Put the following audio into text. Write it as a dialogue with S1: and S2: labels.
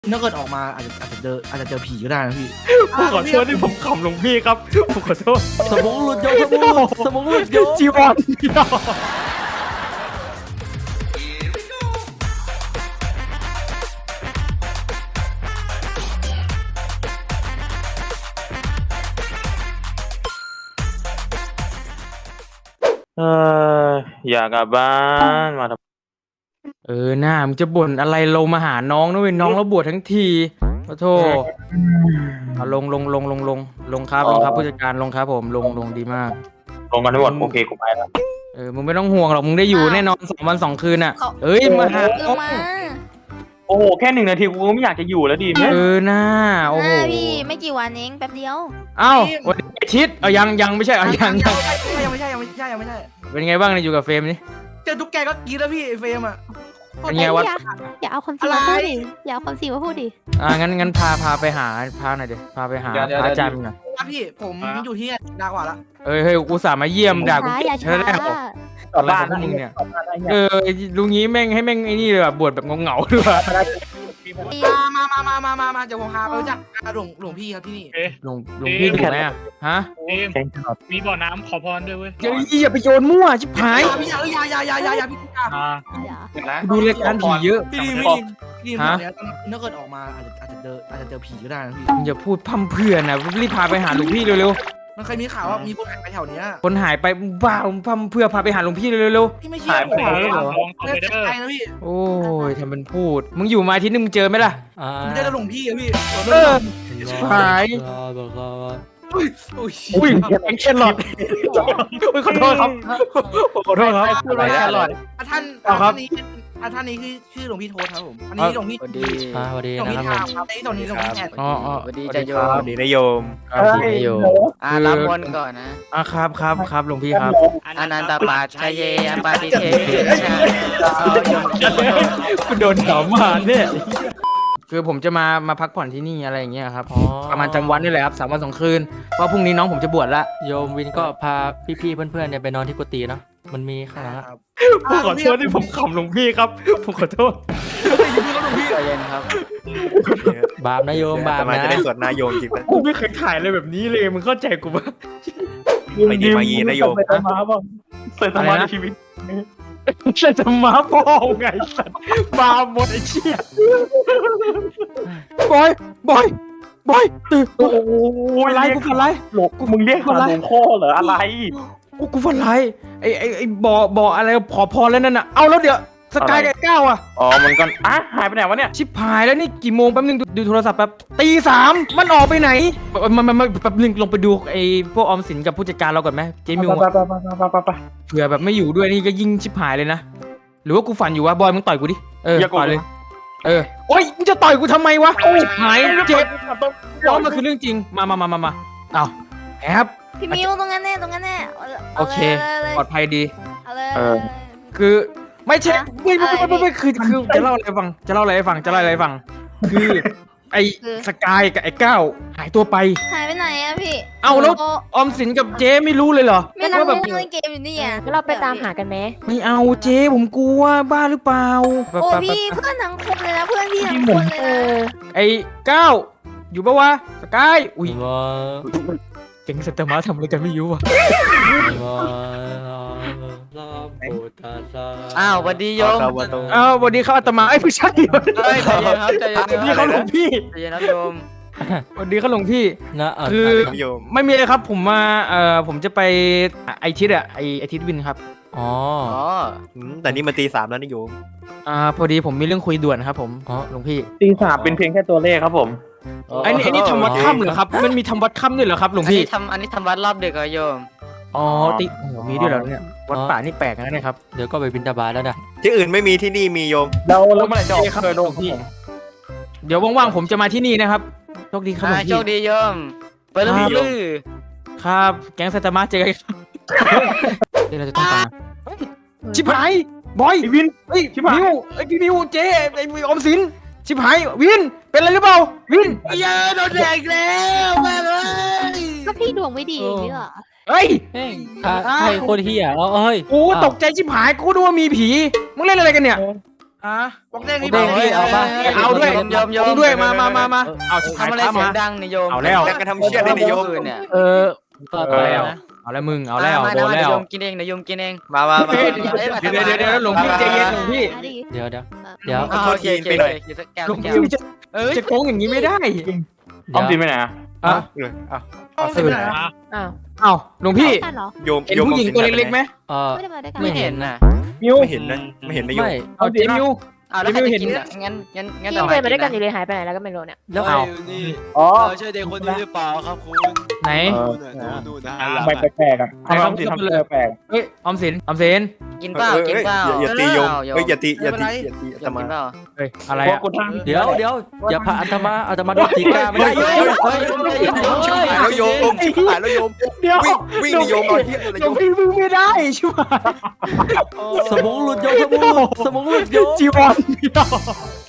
S1: ถ้าเกิดออกมาอาจจะเจอผีก็ได้นะพี่
S2: ผมขอโทษที่ผมขำหลวงพี่ครับผมขอโทษ
S3: สมองหลุดโยสมองหลุดโย
S2: จีวรเอออยากกลับบ้านมาทำหน้ามึงจะบ่นอะไรลงมาหาน้องนะเว้ยน้องเราบวชทั้งทีขอโทษเอาลงครับผู้จัดการลงครับผมลงดีมาก
S4: ลงกันทั้งหมดโอเคกูไปแล้ว
S2: มึงไม่ต้องห่วงหรอกมึงได้อยู่แน่นอน2 วัน 2 คืนอ่ะเอ้ยมาหา
S5: มา
S4: โอ้โหแค่1 นาทีกูก็ไม่อยากจะอยู่แล้วดิแม่
S2: หน้าโอ้โห
S5: พี่ไม่กี่วันเองแป๊บเดียว
S2: เอ้าวันนี้อาทิตย์ยังไม่ใช่ยัง
S1: ยังไม่ใช่
S2: เป็นไงบ้างเนี่ยอยู่กับเฟรมนี่
S1: เจอตุ๊กแกก็กรี๊ดแล้วพี่ไอ้เฟรมอ่ะ
S2: เป็นไงวะ
S6: อย่าเอาความจริงมาพูดดิอย่าเอาความจริงมาพูดดิ
S2: งั้นพาไปหาพาหน่อยดิพาไปหาพระอาจารย์มึงหน่อย
S1: พี่ผมอยู่ที่นี่นานกว่าละ
S2: เฮ้ยกูสามาเยี่ยมด่ากู
S6: อย่า
S2: เท่า
S6: ช้า
S2: นั้นแหละอะไรของพวกมึงเนี่ยลุงงี้แม่งให้แม่งไอ้นี่เลยแบบบวชแบบเงาๆด้วย
S1: มาเดี๋ยวผมพาไปรู้จักหลวงพี่ครับที่นี่
S2: หลวงพี่ดูไหมอะฮะ
S7: มีบ่อน้ำขอพรด้วยเว้ย
S2: อย่าไปโยนมั่วชิบหาย
S1: พี่อย่าพี่อย่า
S2: ดูรายการผีเยอะ
S1: พี่ดีถ้าเกิดออกมาอาจจะเจอผีก็ได้นะพี่
S2: มึงอย่าพูดพั่มเพรื่อนะรีบพาไปหาหลวงพี่เร็ว
S1: มันเคยมีข่าวว่ามีคนหายไปแถวเนี้ย
S2: ๆคนหายไปบ้าพั่มเพรื่อพาไปหาหลวงพี่เร็ว
S1: พี่ไม่เชื่อผม
S7: ลองต่อ
S1: เลิ
S7: ไป
S1: ก
S7: เด้อ
S1: ใจนะพี่
S2: ๆโอ้ยทำเป็นพูดมึงอยู่มาอาที่นึงมึงเจอไหมล่ะ
S1: ผมจะหลวงพี่อะพี่
S2: หาย อุ้ยแครอทอุ้ยขอโทษครับขอโทษครับพูดว่าแครอท
S1: ท่านนี้คือชื่อหลวงพี่โทษครับผมอันนี้หลวงพี่
S3: สวัสดี
S1: หลวงพี่
S3: นะครับ
S1: ทามครับอันนี้หลวงพี่แทน
S2: อ๋อ
S3: สวัสดีจ้าโย
S4: สวัสดีนายโยม
S3: รับบนก่อนนะ
S2: ครับหลวงพี่ครับ
S3: อนันตปัจชเยอปาติเทชา
S2: คุณโดนถามมาเนี่ยคือผมจะมาพักผ่อนที่นี่อะไรอย่างเงี้ยครับประมาณจังหวัดนี่แหละครับ3 วัน 2 คืนเพราะพรุ่งนี้น้องผมจะบวชละ
S8: โยมวินก็พาพี่ๆเพื่อนๆเนี่ยไปนอนที่กุฏิเนาะมันมีข้างหลังอะ
S2: ผมขอโทษที่ผมขำหลวงพี่ครับผมขอโทษ
S3: ใจเย็นครับ
S8: บาปนะโยมบาป
S4: แต่มา
S8: นะ
S4: จะได้สวดนายโยมจริงปะ
S2: กูไม่เคยถ่ายอะไรแบบนี้เลยมึงเข้าใจกูปะ
S4: ไม่ดีมายีนายโยม
S2: เสร็จมาในชีวิตเสร็จมาพ่อไงสัตว์บาหมดไอ้เชี่ยบอยตื่นโอ้ยไรกูฝันไร
S4: หลบมึงเรียกหาหลวงพ่อเหรออะไร
S2: กูฝันไรไอ้บ่ออะไรขอพรแล้วนั่นน่ะเอาแล้วเดี๋ยวสกายกับก้าวอ่ะ
S4: อ๋อมันก็หายไปไหนวะเนี่ย
S2: ชิบหายแล้วนี่กี่โมงแป๊บนึงดูโทรศัพท์แป๊บตี 3มันออกไปไหนมันแป๊บนึงลงไปดูไอ้พวกออมสินกับผู้จัดการเราก่อนไหมเจมิวอะเผื่อแบบไม่อยู่ด้วยนี่ก็ยิ่งชิบหายเลยนะหรือว่ากูฝันอยู่วะบอยมึงต่อยกูดิต่อยเลยโอ๊ยมึงจะต่อยกูทำไมวะชิบหายเจ็บร้องมันคือเรื่องจริงมาเอาแอบ
S5: พี่มิวตรงนั้นแน่
S2: โอเคปลอดภัยดี
S5: เอาเลย
S2: คือไม่ใช่ไม่คือจะเล่าอะไรให้ฟังคือไอ้สกายกับไอ้ก้าวหายตัวไป
S5: หายไปไหนอะพี่
S2: เอาแล้วออมสินกับเจ๊ไม่รู้เลยเหรอ
S5: ไม่นั่ง
S2: ว่าแบบ
S5: เล่นเกมอยู่นี่อะ
S6: เราไปตามหากันไหม
S2: ไม่เอาเจ๊ผมกลัวบ้าหรือเปล่า
S5: โอ้พี่เพื่อนทั้งคนเลยนะเพื่อนพี่ทั้งคนเลยนะ
S2: ไอ้ก้าวอยู่ปะวะสกายอุ้ย
S8: ว่า
S2: เก่งสัตว์มาทำอะไรกันไม่รู้ว่ะ
S3: อ้าวสวัสดีโยม
S2: วันนี้เขาอาตมาไอ้ผู้ชาย
S3: เฮ้ยใจเย็นครับใจเย็น
S2: วันนี้เขาหลวงพี่
S3: ใจเย็นครับโยม
S2: วันนี้เขาหลวงพี่
S8: นะ
S2: คือ
S4: โยม
S2: ไม่มีอะไรครับผมมาผมจะไปไอทิศไอทิศวินครับ
S8: อ๋อ
S4: แต่นี่มันตี 3แล้วนายโยม
S2: พอดีผมมีเรื่องคุยด่วนครับผมหลวงพี่
S4: ตี 3เป็นเพียงแค่ตัวเลขครับผม
S2: ไอ้นี่ทำวัดค่ำเหรอครับมันมีทำวัดค่ำด้วยเหรอครับหลวงพี่
S3: อันนี้ทำวัดรอบดึกเหรอโยม
S2: อ๋อโอ้โหมีด้วยเหรอเนี่ยวัดป่านี่แปลกนะเนี่ยครับ
S8: เดี๋ยวก็ไปบิณฑบาตแล้วนะ
S4: ที่อื่นไม่มีที่นี่มีโยม
S2: แล้วเมื่อไหร่จะออกเคยโดนพี่เดี๋ยวว่างๆผมจะมาที่นี่นะครับโชคดีครับหลวง
S3: โช
S2: พี่
S3: คดีโยมไปเลยพี่ลือ
S2: ครับแก๊งไซตามะเจอกันครับเดี๋ยวเราจะต้องตามชิบหายบอยวินเฮ้ยชิบหายมิวพี่มิวเจ๊ไอ้ออมสินชิบหายวินเป็นอะไรหรือเปล่าวินเย้โดนแดกแล้วแม่เลย
S6: ก็พี่ดวงไม่ดีนี่เหรอ
S2: เฮ้ย
S8: ใครคนเฮียเฮ้ย
S2: โอ้ตกใจชิบหายกูดูว่ามีผีมึงเล่นอะไรกันเนี่ย
S1: บอกเด้งนี่
S8: เด้งพี่เอาปะ
S2: เอาด้วย
S3: โยม
S2: เอาด้วยมาเอาชิบหาย
S3: ทำอะไรเสียงดังนี่โยม
S2: เอาแล้ว
S3: แกกระทำเชี่ยได้ในโยมเนี่ย
S2: เอาแล้วเอาแล้วมึงเอาแล้วโดนแล้ว
S3: โยมกินเองนะโยมกินเองมา
S2: เดี๋ยวหลวงพี่ใจเย็นหลวงพี่
S8: เดี๋ยว
S3: โอเคไปหน่อยสักแก้ว
S2: หลวงพี่จะโกงอย่างนี้ไม่ได้
S4: ออมสินไปไหนอะ
S2: อ่ะ
S1: ต้องไปไหน
S6: อ้าว
S2: เอ้าหลวงพี่
S6: กันเหรอ
S9: โยม
S2: เห็นผู้หญิงตัวเล็กๆไหม
S6: ไม่ได้มาด้วยกัน
S3: ไม่เห็นน่ะ
S4: มิว
S9: ไม่เห็นนะไม่เห็นนะโยม
S8: ไม่
S2: เอาเจมิว
S3: อ้าวแล้วใครจะกินอ่ะงั้น
S6: พี่
S3: เรา
S6: เดินมาด้วยกันอยู่เลยหายไปไหนแล้วก็ไม่รู้เนี่ย
S8: แล้ว
S2: เอา
S4: อ๋อ
S10: ใช่เด็กคนนี้หรือเปล่าครับคุณ
S2: ไหน
S10: ดูนะ
S4: ทำไมแปลกๆอ่ะทำไมออมสินทำตัวแปลก
S2: เฮ้ยออมสิน
S3: กินเปล่ากินเปล่า
S9: อย่าตีโยมเฮ้ยอย่าตีอาตี
S3: โย
S9: ต
S3: ม
S9: มา
S3: กินเปล่า
S2: เฮ้ยอะไร
S4: พวก
S2: อ่ะ
S4: กูทำ
S8: เดี๋ยวอย่าพาอัตมาโดนตีก้าไม่ได้โยม
S9: หายแล้วโยมหายแล้วโยม
S2: เดี๋ยว
S9: วิ่งดิโยมนอนเทียบเลย
S2: หลวงพี่มึงไม่ได้ใช่ไหม
S8: สมองหลุดโยมสมองหลุดโยม
S2: จีวร